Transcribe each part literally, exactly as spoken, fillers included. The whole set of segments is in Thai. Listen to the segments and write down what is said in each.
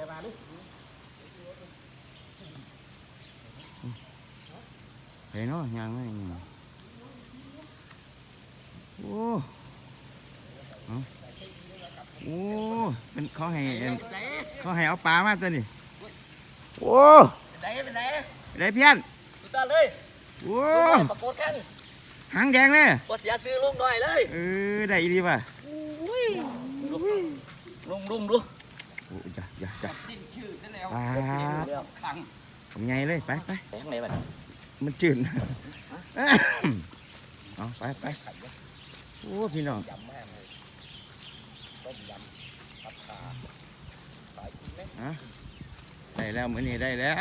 มาดิเห็นเนาะยังไงโอ้โอ้เป็นเขาให้เขาให้เอาปลามาตัวนี้โอ้เป็นไรเป็นไรได้เพี้ยนสุดยอดเลยโอ้ปรากฏกันหางแดงเลยพอเสียซื้อลุงหน่อยเลยเออได้ดีป่ะลุงลุงดูโอ้จ้ะจ้ะจ้ะดิ้นชื่อนั่นแล้วขังผมไงเลยไปไปไปข้างในมันมันจืดเอาไปไปโอ้พี่น้องยำแม่เลยต้มยำผัดขาสายกินไหมฮะได้แล้วมื้อนี้ได้แล้ว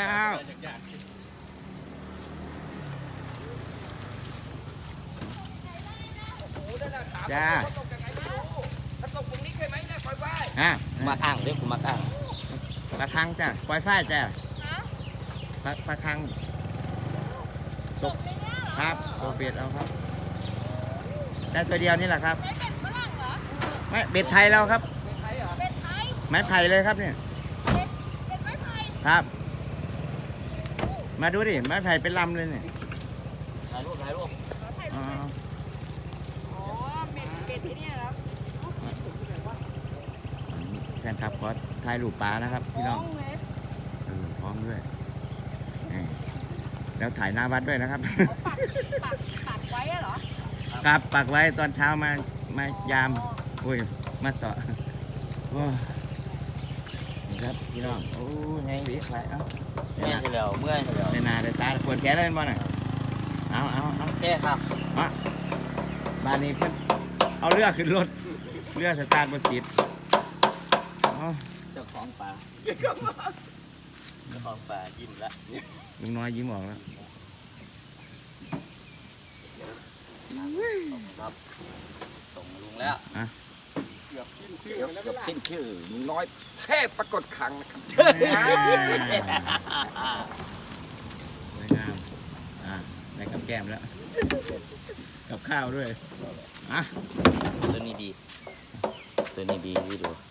จ้าถ้าตกตรงนี้ใช่ไหมนะปล่อยไฟฮะมาอ่างเรียกกูมาอ่างปลาคังจ้ะปล่อยไฟจ้ะปลาปลาคังตกครับตัวเบ็ดเอาครับได้ตัวเดียวนี่แหละครับไม่เบ็ดไทยเราครับเบ็ดไทยไม้ไผ่เลยครับเนี่ยเบ็ดเบ็ดไม้ไผ่ครับมาดูดิไม้ไผ่เป็นลำเลยเนี่ยถ่ายรูปถ่ายรูปอ๋อเบ็ดเบ็ดที่นี่แล้วแฟนคลับขอถ่ายรูปปลานะครับพี่น้องเออพร้อมด้วยแล้วถ่ายหน้าวัดด้วยนะครับปักปักปักไว้เหรอครับปักไว้ตอนเช้ามามายามโอ้ยมาต่อโอ้นี่ครับพี่น้องโอ้ไงวิไปเอ้าเมื่อยเฉลียวเมื่อยเฉลียวในนาในตาปวดแขนเลยบ่หน่อยเอาเอาเอาแค่ครับมาบ้านนี้เพิ่นเอาเรือขึ้นรถเรือสตาร์ทบนติดเจ้าของป่าเจ้าของป่ายิ้มแล้วลุงน้อยยิ้มออกแล้วครับส่งลุงแล้วอ่ะเกือบขึ้นชื่อเกือบขึ้นชื่อลุงน้อยเทพปรากฏขังนะครับสวยงามอ่ะได้กับแก้มแล้วกับข้าวด้วยอ่ะตัวนี้ดีตัวนี้ดีที่ดู